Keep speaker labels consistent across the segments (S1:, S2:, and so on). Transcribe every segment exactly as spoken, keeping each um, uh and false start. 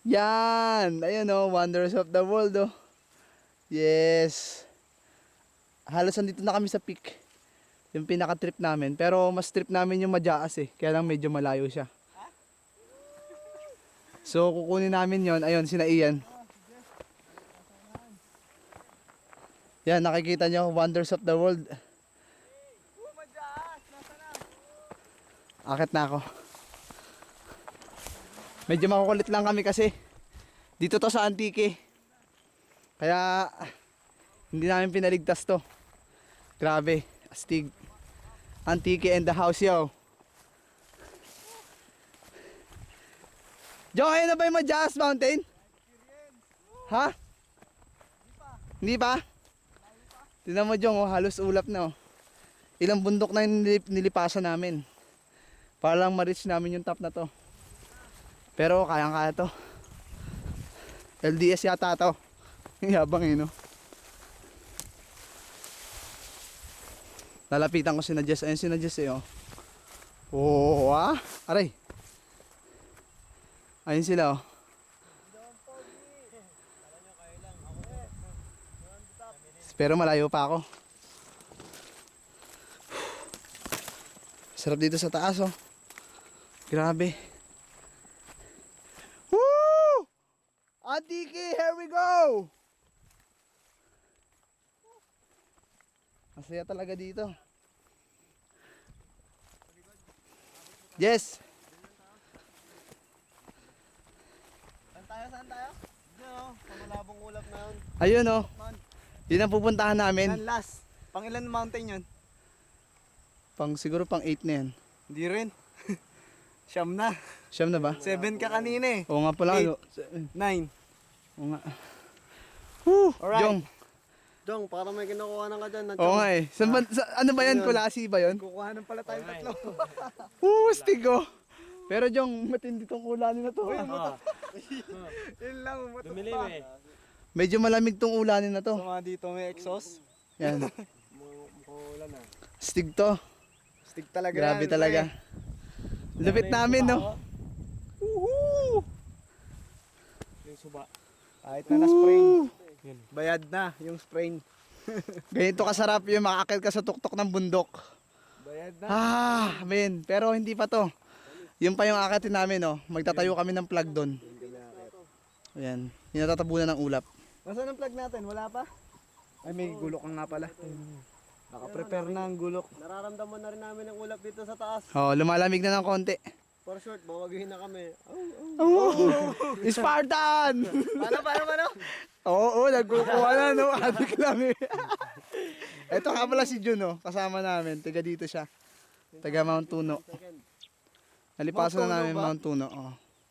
S1: Yan! Ayun oh, wonders of the world oh. Yes. Halos andito na kami sa peak. Yung pinaka-trip namin. Pero mas trip namin yung Majaas eh. Kaya lang medyo malayo siya. So kukunin namin yon. Ayun, sina Ian. Yan, nakikita nyo, wonders of the world. Akit na ako. Medyo makukulit lang kami kasi dito to sa Antique. Kaya hindi namin pinaligtas to. Grabe, astig. Antique and the house yo. Jo, ayun na ba yung Majaas Mountain? Ha? Hindi pa? Tignan mo Jong, oh, halos ulap na oh. Ilang bundok na yung nilip, nilipasan namin. Para lang ma-reach namin yung top na to. Pero kayang-kaya to. L D S yata to. Yabang eh no. Lalapitan ko si Jess. Ayun si Jess eh oh. Oh ah. Aray. Ayun sila oh. Pero malayo pa ako. Sarap dito sa taas oh. Grabe. Woo! Antique, here we go! Masaya talaga dito. Yes.
S2: Saan tayo? Saan tayo? Diyan o, pamalabong ulap na yun.
S1: Ayun oh. Yun ang pupuntahan namin.
S2: Yan last. Pang ilan mountain yun?
S1: Pang siguro pang eight na yan.
S2: Hindi rin. Siyam na.
S1: Siyam na ba?
S2: Seven ka kanina eh.
S1: Oo nga pala.
S2: Eight.
S1: Ano?
S2: Nine.
S1: Oo nga. Woo!
S2: Alright.
S1: Jong.
S3: Dong, para may kinukuha na ka dyan.
S1: Oo nga eh. Saan ba, sa, ano ba yan?
S2: Ayun.
S1: Kulasi ba yun?
S2: Kukuha ng pala tayong tatlo.
S1: Woo! Stig oh. Pero Jong, matindi tong ulanin na to. ah.
S2: Yun lang, umatot
S4: Dumilim
S2: pa.
S4: eh.
S1: Medyo malamig tong ulanin na to.
S2: So mga dito may exhaust.
S1: Yan.
S4: Mukhang ulan ah.
S1: Stig to.
S2: Stick talaga
S1: Grabe
S2: yan,
S1: talaga. Lupit namin no.
S2: Woohoo!
S4: Yung suba.
S2: Kahit na na-sprain.
S4: Yun.
S2: Bayad na yung sprain.
S1: Ganito kasarap yung makakit ka sa tuktok ng bundok.
S2: Bayad na.
S1: Ah, men. Pero hindi pa to. Yung pa yung akitin namin no. Magtatayo kami ng plug doon. Ayan. Yung natatabunan ng ulap.
S2: Nasaan ang plug natin? Wala pa? Ay, may gulok nga pala. Naka-prepare na ang gulok.
S3: Nararamdaman na rin namin ang ulap dito sa taas.
S1: Oh, lumalamig na ng konti.
S3: For short, bawagihin na kami.
S1: Oh, Spartan!
S2: Paano, paano, paano?
S1: Oo, oh, nagkukuha na no. Adik lang eh. Ito nga pala si Jun oh. Kasama namin. Taga dito siya. Taga Mount Tuno. Nalipasan na namin
S2: Mount Tuno ba?
S1: Mount Tuno. Oh.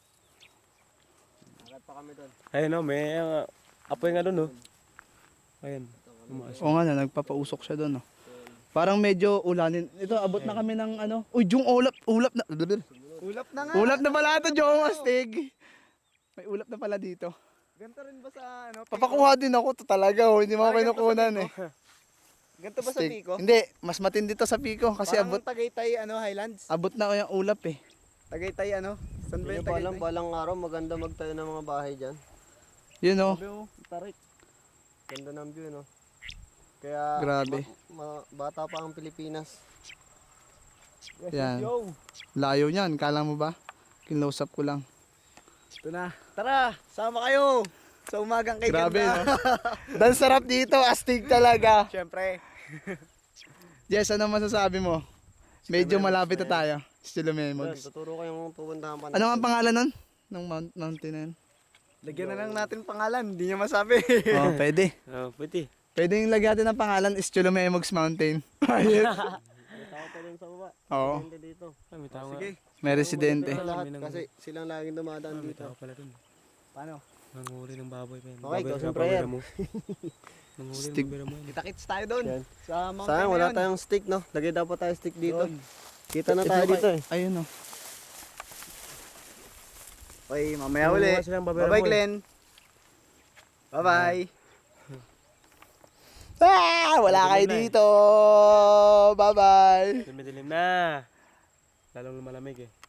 S3: Agad pa kami doon.
S4: Ayun o, may uh, apoy nga doon o. Ayun. Umaas.
S1: Oo nga na, nagpapausok siya doon oh. Parang medyo ulanin. Ito, abot na kami ng ano. Uy, Jung, ulap. Ulap na.
S2: Ulap na nga.
S1: Ulap na pala ito, Jung. Astig. May ulap na pala dito.
S2: Ganto rin ba sa ano?
S1: Papakuha din ako to talaga oh. Hindi mo ako
S2: Ah, ganito sa
S1: kinukunan
S2: Pico?
S1: eh.
S2: Ganto ba sa
S1: Astig.
S2: Pico?
S1: Hindi, mas matindi to sa Pico kasi
S2: Parang
S1: abot
S2: Tagaytay ano, Highlands.
S1: abot na ko yung ulap eh.
S2: Tagaytay ano? Saan ba
S3: Hindi
S2: yung
S3: nyo pa alam,
S2: Tagaytay?
S3: balang araw maganda magtayo ng mga bahay dyan.
S1: Yun oh.
S2: Sabi mo, tarik.
S3: Ganda ng view, no? Kaya,
S1: Grabe.
S3: ma- ma- bata pa ang Pilipinas.
S2: Yes,
S1: Yan.
S2: yo.
S1: Layo niyan, kala mo ba? Kinlose up ko lang.
S2: Ito na. Tara, sama kayo. Sa umagang kay
S1: Grabe
S2: ganda.
S1: no. Dan sarap dito, astig talaga.
S2: Siyempre.
S1: Jess, ano masasabi mo? Medyo malapit na tayo. Still
S3: Yan,
S1: Memogs.
S3: tuturo ko yung pupuntahan pa
S1: Ano ang pangalan nun? Ng mount, mountain na yun?
S2: Lagyan na lang natin pangalan. Hindi niya masabi.
S1: Oh, pwede.
S4: Oh, pwede.
S1: Pwede yung lagyan natin ng pangalan is Cholomemogs Mountain. Ayun.
S3: May tao pa rin sa baba.
S1: Oo.
S3: Hindi dito.
S4: Ah, may tao nga.
S2: Sige.
S1: May residente.
S3: Sa lahat,
S4: May nang-
S3: kasi silang laging dumadaan
S4: Ah, may
S3: dito.
S4: tao pala dun.
S2: Paano?
S4: Nanguli ng baboy pa yan.
S3: Okay,
S4: Baboy,
S3: ikaw,
S4: baboy
S3: prayer.
S4: mo. Nanguli ng
S1: Stick.
S4: baboy mo yan.
S2: Kita-kits tayo doon.
S3: Yan.
S2: Sa mountain
S3: Sayang,
S2: na
S3: wala
S2: yun.
S3: tayong stick, no? Lagay dapat tayo stick dito.
S2: Doon.
S3: Kita na tayo dito eh.
S1: Ayun oh.
S2: Okay, mamaya
S4: Kumuha
S2: uli.
S4: silang babera
S2: Bye-bye,
S4: mo eh.
S2: Glenn. Bye-bye.
S1: Ah, wala kayo
S4: Madilim na eh.
S1: dito. Bye-bye.
S4: Dumidilim na. Lalong lumalamig eh.